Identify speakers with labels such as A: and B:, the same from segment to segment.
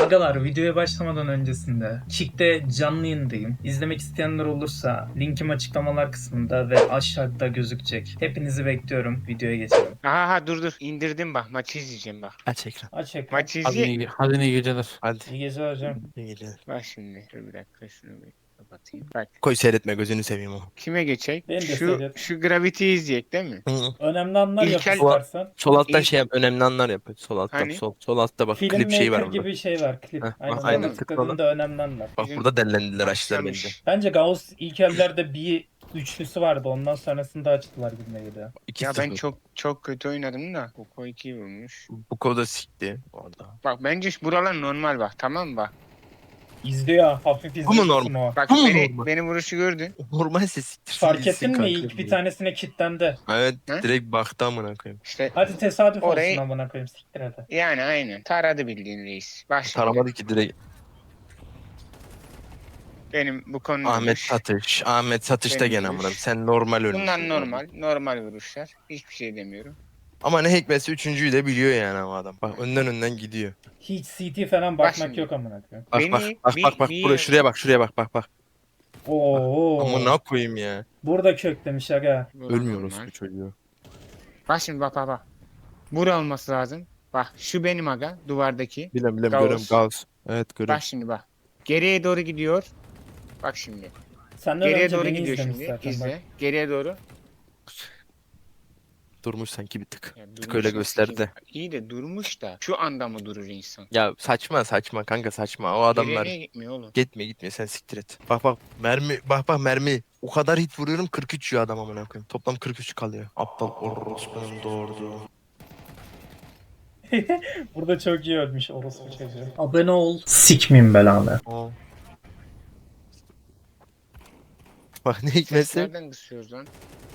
A: Agalar, videoya başlamadan öncesinde Kick'te canlı yayındayım. İzlemek isteyenler olursa linkim açıklamalar kısmında ve aşağıda gözükecek. Hepinizi bekliyorum. Videoya geçelim.
B: Aha dur. İndirdim bak. Maçı izleyeceğim bak.
C: Aç ekran.
A: Aç ekran.
B: Maçı
C: Hadi
B: izleyecek mi?
C: iyi geceler.
A: İyi
C: Hadi.
A: geceler hocam.
C: İyi geceler.
B: Bak şimdi. Dur bir dakika şunu bir kapatayım. Bak.
C: Koy seyretme gözünü seveyim o.
B: Kime geçecek?
A: Beni de
B: Şu
A: seyret.
B: şu Gravity'yi izleyecek değil mi?
C: Hı.
A: Önemli anlar yap
B: İlkel-
A: istersen.
C: Sol altta
B: İyi.
C: şey yap, önemli anlar yap. Sol altta
B: Hani?
C: sol altta bak klip şeyi
A: Filmmaker
C: var burada.
A: gibi şey var, klip.
C: Heh,
A: Aynen,
C: aynen,
A: ona
C: tıkla
A: tıkladığında önemli anlar.
C: Bak
B: Bizim
C: burada dellendiler açtılar bence.
B: başlamış.
A: Bence Gauss ilk ellerde bir üçlüsü vardı. Ondan sonrasında açtılar gibime geliyor.
B: Ya ben
C: 2-0.
B: çok kötü oynadım da. Koko 2 vurmuş.
C: Bu koda sikti orada.
B: Bak bence buralar normal bak, tamam mı bak?
A: İzliyor. Hafif
C: Bu mu
A: izliyor
C: normal?
A: kısmı o.
B: Bak
C: Bu mu
B: beni,
C: normal?
B: beni vuruşu gördün.
C: Normalse siktirsin
A: Fark
C: gitsin
A: ettin mi?
C: kanka
A: İlk bir
C: ya.
A: tanesine kilitlendi.
C: Evet
B: He?
C: direkt baktı amına koyayım.
B: İşte
A: Hadi tesadüf
B: Orayı-
A: olsun amına koyayım, siktir hadi.
B: yani aynen. Taradı bildiğin reis. Bak şimdi.
C: Taramadı ki direkt.
B: Benim bu konu
C: Ahmet
B: vuruş.
C: Satış. Ahmet Satış da
B: Benim
C: gene
B: vuruş.
C: amına. Sen normal ölmüşsün.
B: Bunlar normal vuruşlar. Hiçbir şey demiyorum.
C: Ama ne hikmetse üçüncüyü de biliyor yani ama adam. Bak önden gidiyor.
A: Hiç CT falan
B: Bak
A: bakmak
B: şimdi.
A: yok amına koyayım.
C: Bak
B: Beni
C: bak buraya şuraya bak.
A: Oo.
C: Amına koyayım ya.
A: Burada köklemiş aga.
C: Ölmüyoruz
B: Normal.
C: bu çocuğu.
B: Bak şimdi bak. Bura olması lazım. Bak şu benim aga duvardaki.
C: Bilem
B: Gauss.
C: görüyorum Gauss. Evet görüyorum.
B: Bak şimdi bak. Geriye doğru gidiyor. Bak şimdi.
A: Senden
B: Geriye
A: önce
B: doğru
A: beni
B: gidiyor
A: izlemiş
B: şimdi.
A: zaten
B: İzle.
A: bak.
B: Geriye doğru.
C: Durmuş sanki bir tık.
B: Ya
C: Bir tık
B: durmuş
C: öyle
B: da
C: gösterdi.
B: sikeyim. İyi de durmuş da. Şu anda mı durur insan?
C: Ya saçma kanka saçma. O
B: Geriye
C: adamlar
B: niye gitmiyor oğlum?
C: gitme sen siktir et. Bak mermi. O kadar hit vuruyorum 43 yiyor adam amına koyayım. Toplam 43 kalıyor. Aptal orospunun doğurdu.
A: Burada çok iyi ölmüş orospu çocuğu. Abone ol. Sikmeyeyim belanı.
C: Aa. Bak ne hikmetse.
B: Nereden kısıyoruz lan?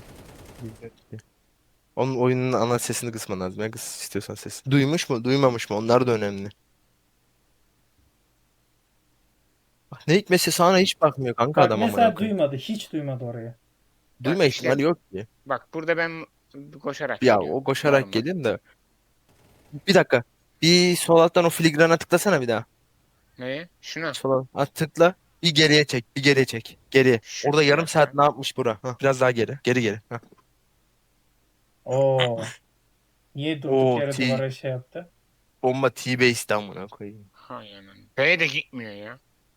C: Onun oyunun ana sesini kısman lazım. Ya kıs istiyorsan ses. Duymuş mu, duymamış mı? Onlar da önemli. Bak ne hikmetse sana hiç bakmıyor kanka
A: Bak
C: adam amına
A: mesela
C: koyayım.
A: duymadı. Hiç duymadı orayı.
C: Duyma
B: işte-
C: ihtimali yok ki.
B: Bak burada ben koşarak
C: Ya
B: geliyorum.
C: o koşarak
B: Normal.
C: geleyim de. Bir dakika. Bir sol alttan o filigrana tıklasana bir daha.
B: Neye? Şuna.
C: Sol alt tıkla. Bir geriye çek. Geriye.
B: Şu-
C: Orada yarım
B: bir
C: saat
B: dakika.
C: ne yapmış bura? Hah, biraz daha geri. Geri. Hah.
A: Oo. Niye durduk
C: Oo,
A: yere duvara şey yaptı?
C: Bomba T-Base'den amına koyayım.
B: Hay anan. B'ye de gitmiyor ya.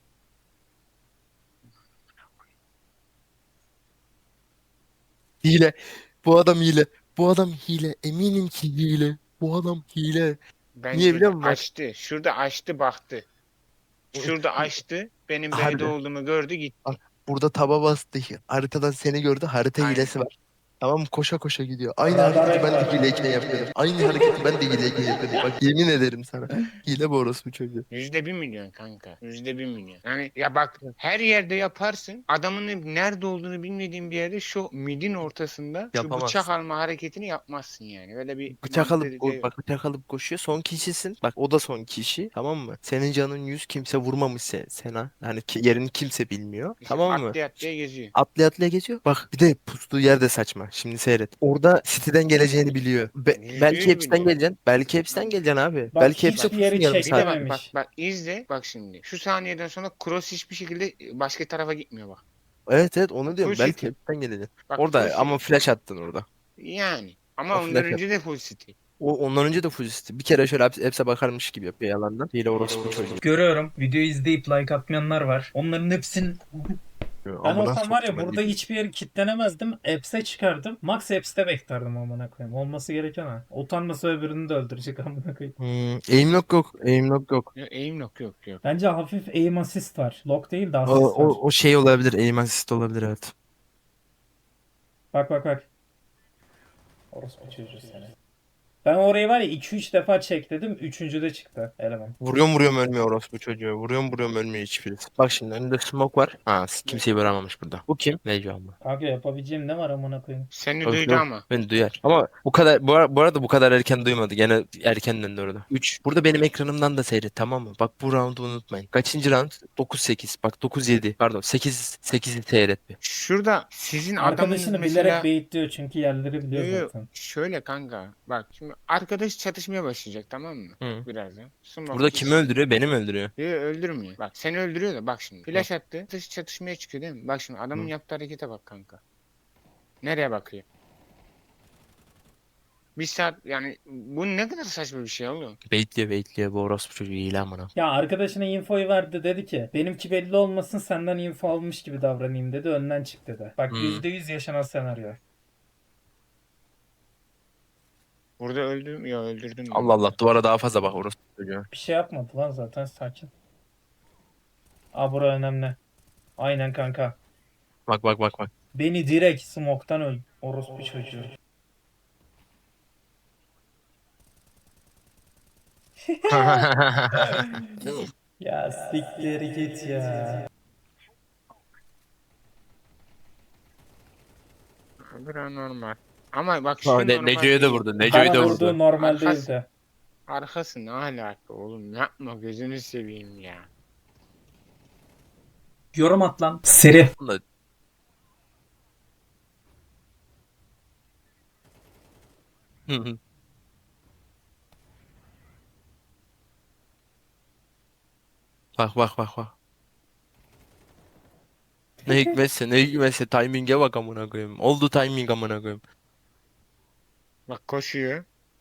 C: Hile. Bu adam hile. Bu adam hile. Eminim ki hile. Bu adam hile.
B: Bence
C: Niye biliyor
B: de
C: musun?
B: açtı. Şurada açtı baktı. Şurada açtı. Benim
C: Harbi.
B: B'de olduğumu gördü gitti.
C: Bak, burada taba bastı. Haritadan seni gördü. Harita
B: Aynen.
C: hilesi var. Tamam mı? Koşa gidiyor. Aynı
A: Radar
C: hareketi ben de
A: ekber.
C: hileyken yapıyordum. Aynı hareketi ben de hileyken yapıyordum. Bak yemin ederim sana. Hile bu orospu çocuğu.
B: %1 milyon kanka. %1 milyon. Yani ya bak her yerde yaparsın. Adamın nerede olduğunu bilmediğin bir yerde şu midin ortasında şu
C: Yapamazsın.
B: bıçak alma hareketini yapmazsın yani. Öyle bir
C: Bıçak
B: mantığı
C: alıp
B: da yok.
C: bak bıçak alıp koşuyor. Son kişisin. Bak o da son kişi. Tamam mı? Senin canın 100 kimse vurmamış sana. Yani yerini kimse bilmiyor.
B: İşte
C: Tamam mı?
B: atlaya geziyor.
C: Atlaya geziyor. Bak bir de pustuğu yer de saçma. Şimdi seyret. Orada City'den geleceğini biliyor.
B: Yüzde
C: Belki
B: yüz
C: hepsinden
B: biliyor.
C: geleceksin. Belki hepsinden geleceksin abi.
A: Bak,
C: Belki hepsi
A: hiçbir yeri
C: pusun yarım
B: Bir de
C: saat.
B: bak
A: çekememiş.
B: izle bak şimdi. Şu saniyeden sonra cross hiçbir şekilde başka tarafa gitmiyor bak.
C: Evet onu diyorum.
B: Full
C: Belki
B: City.
C: hepsinden geleceksin.
B: Bak
C: Orada
B: full
C: ama
B: City.
C: flash attın orada.
B: Yani. Ama
C: O
B: ondan
C: flash
B: önce de full city.
C: Ondan önce de full City. Bir kere şöyle hepsi bakarmış gibi yapıyor yalandan. Hile orospu çocuğu.
A: Görüyorum. Videoyu izleyip like atmayanlar var. Onların hepsinin... Ben
C: Amına
A: olsam var ya
C: soktum
A: burada
C: hadi.
A: hiçbir yeri kilitlenemezdim. Apps'e çıkardım. Max Apps'te beklerdim amına koyayım. Olması gereken ha. Utanmasa öbürünü de öldürecek amına koyayım.
C: Aim lock yok. Aim lock yok.
B: Ya, aim yok.
A: Bence hafif aim assist var. Lock değil de
C: O,
A: assist var.
C: o şey olabilir. Aim assist olabilir evet.
A: Bak. Orospu çocuğu seni. Ben orayı var ya 2-3 defa çek dedim. 3. de çıktı eleman.
C: Vuruyorum ölmüyor orospu çocuğu. Vuruyorum ölmüyor hiçbirisi. Bak şimdi önünde smoke var. Ha kimseyi vuramamış burada. Bu kim? Neco abla.
A: Kanka yapabileceğim ne var amına koyayım.
B: Seni
C: Yok,
B: duydu
C: yok.
B: ama.
C: Beni duyar. Ama bu kadar bu arada bu kadar erken duymadı. Gene erken döndü orada. 3. Burada benim ekranımdan da seyret tamam mı? Bak bu roundu unutmayın. Kaçıncı round? 9-8. Bak 9-7. Pardon 8-8'i seyret bir.
B: Şurada sizin adamın
A: Arkadaşını
B: mesela
A: bilerek baitliyor çünkü yerleri biliyor
B: Yo, yo,
A: zaten.
B: şöyle kanka bak şimdi Arkadaş çatışmaya başlayacak, tamam mı?
C: Hı.
B: Birazdan. Smoke
C: Burada kimi öldürüyor? Beni mi öldürüyor?
B: Yok, öldürmüyor. Bak seni öldürüyor da bak şimdi. Flash attı. Dış çatışmaya çıkıyor değil mi? Bak şimdi adamın
C: Hı.
B: yaptığı harekete bak kanka. Nereye bakıyor? Bir saat yani bu ne kadar saçma bir şey oğlum.
C: Baitliyor bu orospu çocuğu iyi amına.
A: Ya arkadaşına infoyu verdi, dedi ki benimki belli olmasın, senden info almış gibi davranayım dedi, önden çık dedi. Bak
C: Hı.
A: %100 yaşanan senaryo.
B: Burada öldüm ya, öldürdüm ben.
C: Allah Allah, duvara daha fazla bak orospu çocuğu.
A: Bir şey yapmadı lan zaten, sakin. Aa, bura önemli. Aynen kanka.
C: Bak.
A: Beni direkt smoke'tan öl. Orospu çocuğu. Ya siktir git ya.
B: Bura normal. Ama bak şu normal
C: Neco'yu da
B: değil.
C: vurdu. Neco'yu
A: Bana
C: da
A: vurduğu
C: vurdu.
A: normal
B: Arkası-
A: değildi.
B: Arkası ne alaka oğlum, yapma gözünü seveyim ya.
A: Yorum at lan. Seri.
C: Bunda- Hı hı. Bak. Ne hikmetse timing'e bak amına koyayım. Oldu timing amına koyayım.
B: Bak koşuyor.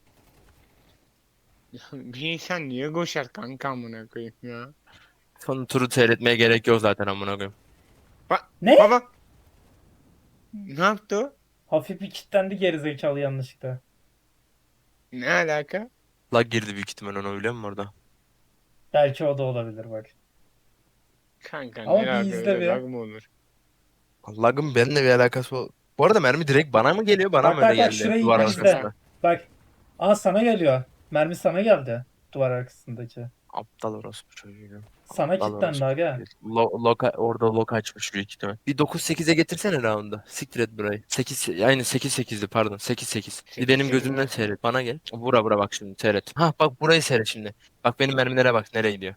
B: Bir insan niye koşar kanka amına koyayım ya.
C: Son turu seyretmeye gerek yok zaten amına koyayım.
B: Bak
A: Ne?
B: baba. Ne yaptı o?
A: Hafif bir kilitlendi gerizekalı yanlışlıkla.
B: Ne alaka?
C: Lag girdi büyük ihtimal ona, öyle mi orada?
A: Belki o da olabilir bak.
B: Kanka
A: Ama
B: ne
A: bir
B: alaka,
A: izle
B: öyle
A: bir.
B: lag mı olur?
C: Lag'ın benimle bir alakası o. Bu arada mermi direkt bana mı geliyor, bana
A: Bak
C: mı öyle
A: bak bak,
C: geldi?
A: şurayı
C: Duvar
A: izle.
C: arkasında.
A: Bak. Aa, sana geliyor. Mermi sana geldi. Duvar arkasındaki.
C: Aptal orospu çocuğu.
A: Sana
C: Aptal
A: kilitlendi
C: orospu
A: aga.
C: çocuğu. Orada lock açmış büyük ihtimal. Bir 9-8'e getirsene round'u. Siktir et burayı. 8, aynı 8-8'di pardon. 8-8. Bir benim
B: 8-8
C: gözümden
B: mi?
C: seyret. Bana gel. Bura bak şimdi seyret. Ha bak burayı seyret şimdi. Bak benim mermilere bak nereye gidiyor.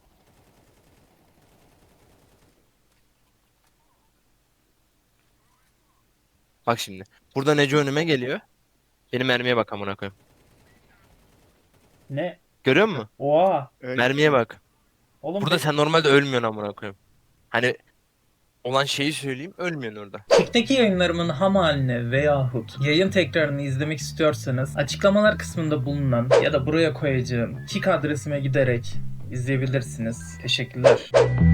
C: Bak şimdi. Burada Neco önüme geliyor. Benim mermiye bak amına koyayım.
A: Ne?
C: Görüyor musun?
A: Oha.
C: Mermiye bak.
A: Oğlum
C: Burada sen normalde ölmüyorsun amına koyayım. Hani olan şeyi söyleyeyim, ölmüyorsun orada.
A: Kick'teki yayınlarımın ham haline veyahut yayın tekrarını izlemek istiyorsanız açıklamalar kısmında bulunan ya da buraya koyacağım Kick adresime giderek izleyebilirsiniz. Teşekkürler.